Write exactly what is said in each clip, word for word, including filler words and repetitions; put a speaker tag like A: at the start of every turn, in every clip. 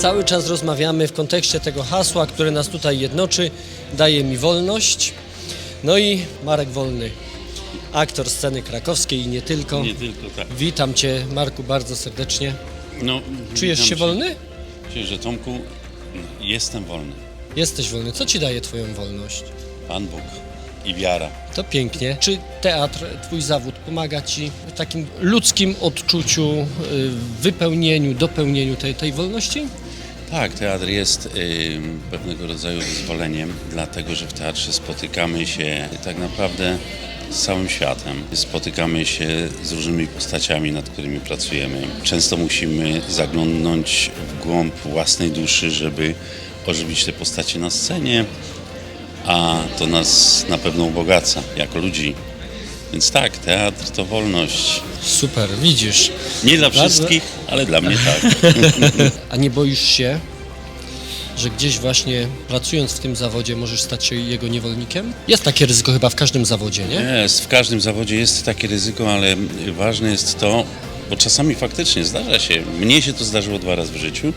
A: Cały czas rozmawiamy w kontekście tego hasła, które nas tutaj jednoczy, daje mi wolność. No i Marek Wolny, aktor sceny krakowskiej i nie tylko.
B: Nie tylko, tak.
A: Witam Cię, Marku, bardzo serdecznie.
B: No,
A: Czujesz się
B: cię.
A: wolny?
B: Czuję, że Tomku, jestem wolny.
A: Jesteś wolny. Co Ci daje Twoją wolność?
B: Pan Bóg i wiara.
A: To pięknie. Czy teatr, Twój zawód pomaga Ci w takim ludzkim odczuciu, y, wypełnieniu, dopełnieniu tej, tej wolności?
B: Tak, teatr jest y, pewnego rodzaju wyzwoleniem, dlatego że w teatrze spotykamy się tak naprawdę z całym światem. Spotykamy się z różnymi postaciami, nad którymi pracujemy. Często musimy zaglądnąć w głąb własnej duszy, żeby ożywić te postacie na scenie, a to nas na pewno ubogaca jako ludzi. Więc tak, teatr to wolność.
A: Super, widzisz.
B: Nie dla
A: Bardzo-
B: wszystkich, ale dla mnie tak.
A: A nie boisz się, że gdzieś właśnie pracując w tym zawodzie możesz stać się jego niewolnikiem? Jest takie ryzyko chyba w każdym zawodzie, nie?
B: Jest, w każdym zawodzie jest takie ryzyko, ale ważne jest to, bo czasami faktycznie zdarza się, mnie się to zdarzyło dwa razy w życiu,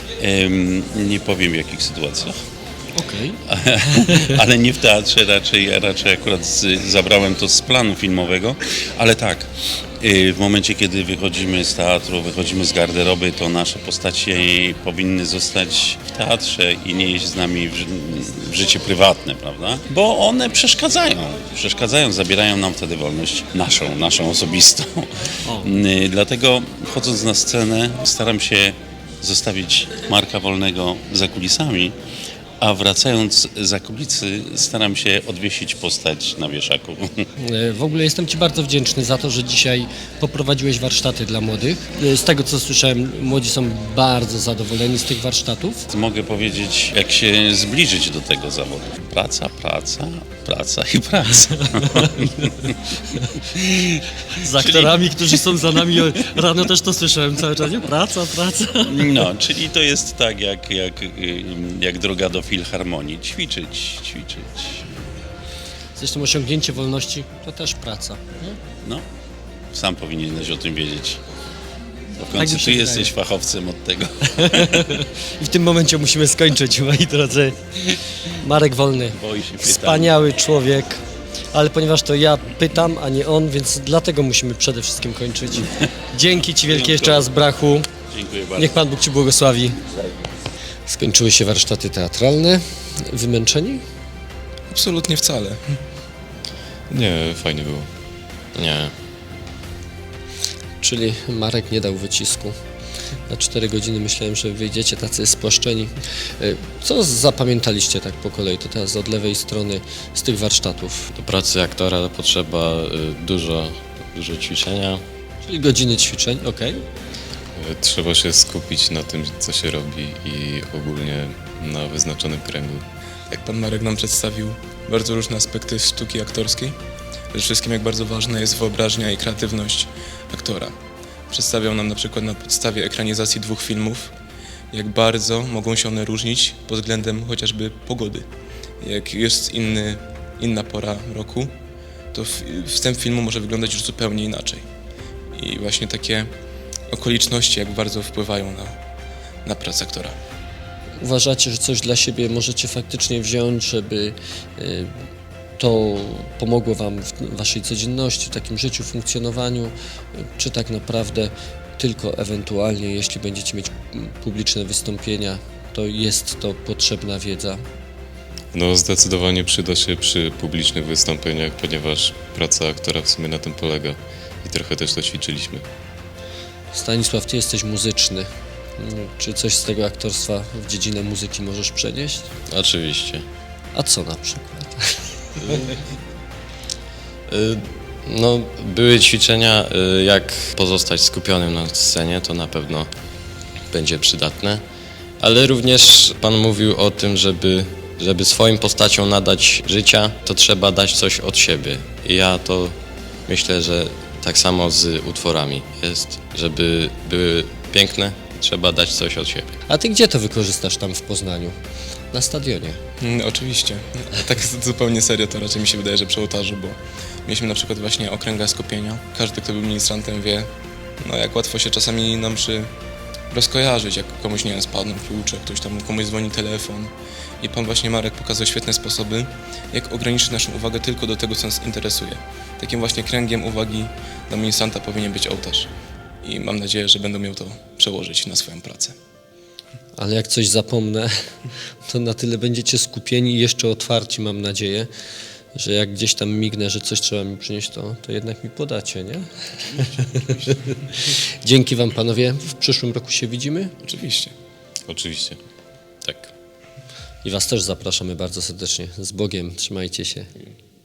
B: Ym, nie powiem w jakich sytuacjach,
A: Okej.
B: ale nie w teatrze, raczej, raczej akurat z, zabrałem to z planu filmowego, ale tak, y, w momencie kiedy wychodzimy z teatru, wychodzimy z garderoby, to nasze postacie powinny zostać w teatrze i nie iść z nami w, ży- w życie prywatne, prawda? Bo one przeszkadzają, przeszkadzają, zabierają nam wtedy wolność naszą, naszą osobistą.
A: O.
B: Y, Dlatego chodząc na scenę staram się zostawić Marka Wolnego za kulisami, a wracając za kulisy staram się odwiesić postać na wieszaku.
A: E, W ogóle jestem Ci bardzo wdzięczny za to, że dzisiaj poprowadziłeś warsztaty dla młodych. E, Z tego co słyszałem, młodzi są bardzo zadowoleni z tych warsztatów.
B: Mogę powiedzieć, jak się zbliżyć do tego zawodu. Praca, praca, praca i praca.
A: Z aktorami, którzy są za nami, rano też to słyszałem cały czas, nie? Praca, praca.
B: No, czyli to jest tak jak, jak, y, jak droga do filharmonii. Ćwiczyć, ćwiczyć.
A: Zresztą osiągnięcie wolności to też praca. Nie?
B: No, sam powinieneś o tym wiedzieć. Bo w
A: Tak
B: końcu
A: mi się
B: ty
A: wydaje.
B: jesteś fachowcem od tego.
A: I w tym momencie musimy skończyć, moi drodzy. Marek Wolny,
B: Boi się pytań.
A: wspaniały człowiek, ale ponieważ to ja pytam, a nie on, więc dlatego musimy przede wszystkim kończyć. Dzięki Ci wielkie jeszcze raz, Brachu.
B: Dziękuję bardzo.
A: Niech Pan Bóg Ci błogosławi. Skończyły się warsztaty teatralne. Wymęczeni?
C: Absolutnie wcale.
D: Nie, fajnie było. Nie.
A: Czyli Marek nie dał wycisku. Na cztery godziny myślałem, że wyjdziecie tacy spłaszczeni. Y, Co zapamiętaliście tak po kolei, to teraz od lewej strony z tych warsztatów?
D: Do pracy aktora potrzeba y, dużo, dużo ćwiczenia.
A: Czyli godziny ćwiczeń, okej.
D: Y, Trzeba się skupić na tym, co się robi i ogólnie na wyznaczonym kręgu.
C: Jak pan Marek nam przedstawił bardzo różne aspekty sztuki aktorskiej, przede wszystkim jak bardzo ważna jest wyobraźnia i kreatywność aktora. Przedstawiał nam na przykład na podstawie ekranizacji dwóch filmów, jak bardzo mogą się one różnić pod względem chociażby pogody. Jak jest inny, inna pora roku, to f- wstęp filmu może wyglądać już zupełnie inaczej. I właśnie takie okoliczności jak bardzo wpływają na, na pracę aktora.
A: Uważacie, że coś dla siebie możecie faktycznie wziąć, żeby y, to pomogło Wam w Waszej codzienności, w takim życiu, funkcjonowaniu, y, czy tak naprawdę tylko ewentualnie, jeśli będziecie mieć mm, publiczne wystąpienia, to jest to potrzebna wiedza?
D: No zdecydowanie przyda się przy publicznych wystąpieniach, ponieważ praca aktora w sumie na tym polega i trochę też to ćwiczyliśmy.
A: Stanisław, Ty jesteś muzyczny. Mm, Czy coś z tego aktorstwa w dziedzinę muzyki możesz przenieść?
E: Oczywiście.
A: A co na przykład?
E: Y, No, były ćwiczenia, y, jak pozostać skupionym na scenie, to na pewno będzie przydatne. Ale również Pan mówił o tym, żeby, żeby swoim postaciom nadać życia, to trzeba dać coś od siebie. I ja to myślę, że tak samo z utworami jest, żeby były piękne, trzeba dać coś od siebie.
A: A Ty gdzie to wykorzystasz tam w Poznaniu? Na stadionie.
C: Mm, oczywiście. A tak zupełnie serio to raczej mi się wydaje, że przy ołtarzu, bo mieliśmy na przykład właśnie okręga skupienia. Każdy, kto był ministrantem, wie, no jak łatwo się czasami na mszy rozkojarzyć, jak komuś, nie wiem, spadną klucze, ktoś tam, komuś dzwoni telefon. I pan właśnie Marek pokazał świetne sposoby, jak ograniczyć naszą uwagę tylko do tego, co nas interesuje. Takim właśnie kręgiem uwagi dla ministranta powinien być ołtarz. I mam nadzieję, że będą miał to przełożyć na swoją pracę.
A: Ale jak coś zapomnę, to na tyle będziecie skupieni i jeszcze otwarci, mam nadzieję, że jak gdzieś tam mignę, że coś trzeba mi przynieść, to, to jednak mi podacie, nie? Dzięki wam, panowie. W przyszłym roku się widzimy
C: Oczywiście.
D: Oczywiście.
E: Tak.
A: i was też zapraszamy bardzo serdecznie. Z Bogiem, trzymajcie się.